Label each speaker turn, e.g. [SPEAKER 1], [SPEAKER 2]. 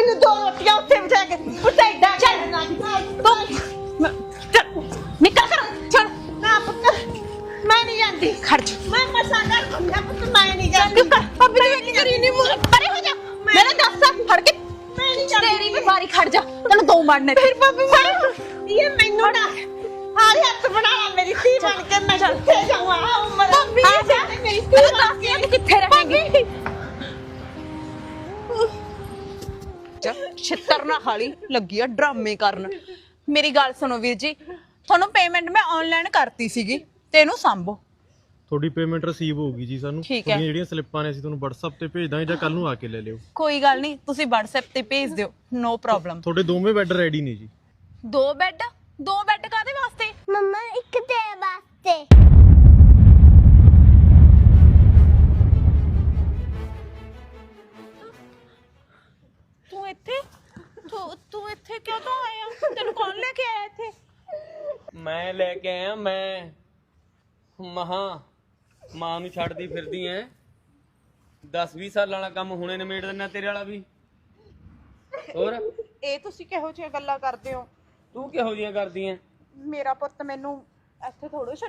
[SPEAKER 1] ਮੈਨੂੰ 2 ਰੋਟੀਆਂ ਉੱਥੇ ਬਿਠਾ ਕੇ ਉੱਤੇ ਏਦਾਂ
[SPEAKER 2] ਚੱਲ ਨਿਕਲ ਕਰ ਚੱਲ
[SPEAKER 1] ਨਾ ਪੁੱਤ ਮੈਂ ਨਹੀਂ ਜਾਂਦੀ
[SPEAKER 2] ਖੜ ਜਾ
[SPEAKER 1] ਮੈਂ ਮਸਾਂ ਕਰ ਦਿੰਦਾ ਪੁੱਤ ਮੈਂ ਨਹੀਂ ਜਾਂਦੀ
[SPEAKER 2] ਭਾਬੀ ਤੂੰ ਇੰਨੀ ਕਰੀ ਨਹੀਂ ਪਰੇ ਹੋ ਜਾ ਮੇਰੇ ਦੱਸ ਫੜ ਕੇ
[SPEAKER 1] ਮੈਂ ਨਹੀਂ ਜਾਂਦੀ
[SPEAKER 2] ਤੇਰੀ ਵੀ ਵਾਰੀ ਖੜ ਜਾ ਤੈਨੂੰ 2 ਮਾਰਨੇ ਫਿਰ ਭਾਬੀ
[SPEAKER 1] ਇਹ ਮੈਨੂੰ ਨਾ ਹਾਰੇ ਹੱਥ ਬਣਾ ਲਾ ਮੇਰੀ ਧੀ ਬਣ ਕੇ ਮੈਂ ਕਿੱਥੇ ਜਾਵਾਂ ਉਮਰ
[SPEAKER 2] ਭਾਬੀ
[SPEAKER 1] ਆ ਜਾ ਮੇਰੀ ਧੀ
[SPEAKER 2] ਤੂੰ
[SPEAKER 1] ਬਣ
[SPEAKER 2] ਦੱਸ ਤੂੰ ਕਿੱਥੇ ਰਹੇਂਗੀ ਛਿੱਤਰ ਨਾ ਖਾਲੀ ਲੱਗੀ ਆ ਡਰਾਮੇ ਕਰਨ ਮੇਰੀ ਗੱਲ ਸੁਣੋ ਵੀਰ ਜੀ ਤੁਹਾਨੂੰ ਪੇਮੈਂਟ ਮੈਂ ਆਨਲਾਈਨ ਕਰਤੀ ਸੀਗੀ ਤੇ ਇਹਨੂੰ ਸੰਭੋ
[SPEAKER 3] ਤੁਹਾਡੀ ਪੇਮੈਂਟ ਰਿਸੀਵ ਹੋਊਗੀ ਜੀ ਸਾਨੂੰ
[SPEAKER 2] ਠੀਕ ਹੈ।
[SPEAKER 3] ਜਿਹੜੀਆਂ ਸਲਿੱਪਾਂ ਨੇ ਅਸੀਂ ਤੁਹਾਨੂੰ WhatsApp ਤੇ ਭੇਜ ਦਾਂਗੇ ਜਾਂ ਕੱਲ ਨੂੰ ਆ ਕੇ ਲੈ ਲਿਓ
[SPEAKER 2] ਕੋਈ ਗੱਲ ਨਹੀਂ ਤੁਸੀਂ WhatsApp ਤੇ ਭੇਜ ਦਿਓ ਨੋ ਪ੍ਰੋਬਲਮ
[SPEAKER 3] ਤੁਹਾਡੇ ਦੋਵੇਂ ਬੈੱਡ ਰੈਡੀ ਨੇ ਜੀ
[SPEAKER 2] 2 ਬੈੱਡ ਕਾਦੇ ਵਾਸਤੇ
[SPEAKER 4] ਮੰਮਾ ਇੱਕ ਤੇਰੇ ਵਾਸਤੇ
[SPEAKER 2] ਤੂੰ ਇੱਥੇ ਕਿਉਂ ਤੋਂ ਆਇਆ ਤੈਨੂੰ ਕੌਣ ਲੈ ਕੇ ਆਇਆ ਇੱਥੇ
[SPEAKER 5] ਮੈਂ ਲੈ ਕੇ ਆਇਆ ਮੈਂ ਮਾਂ ਨੂੰ ਛੱਡਦੀ ਫਿਰਦੀ ਐ 10-20 ਸਾਲਾਂ ਵਾਲਾ ਕੰਮ ਹੁਣੇ ਨਿਮੇੜ ਦਿੰਨਾ ਤੇਰੇ ਵਾਲਾ ਵੀ ਹੋਰ
[SPEAKER 2] ਇਹ ਤੁਸੀਂ ਕਿਹੋ ਜਿਹੀਆਂ ਗੱਲਾਂ ਕਰਦੇ ਹੋ
[SPEAKER 5] ਤੂੰ ਕਿਹੋ ਜੀਆਂ ਕਰਦੀ ਐ
[SPEAKER 2] ਮੇਰਾ ਪੁੱਤ ਮੈਨੂੰ ਇੱਥੇ ਥੋੜੋ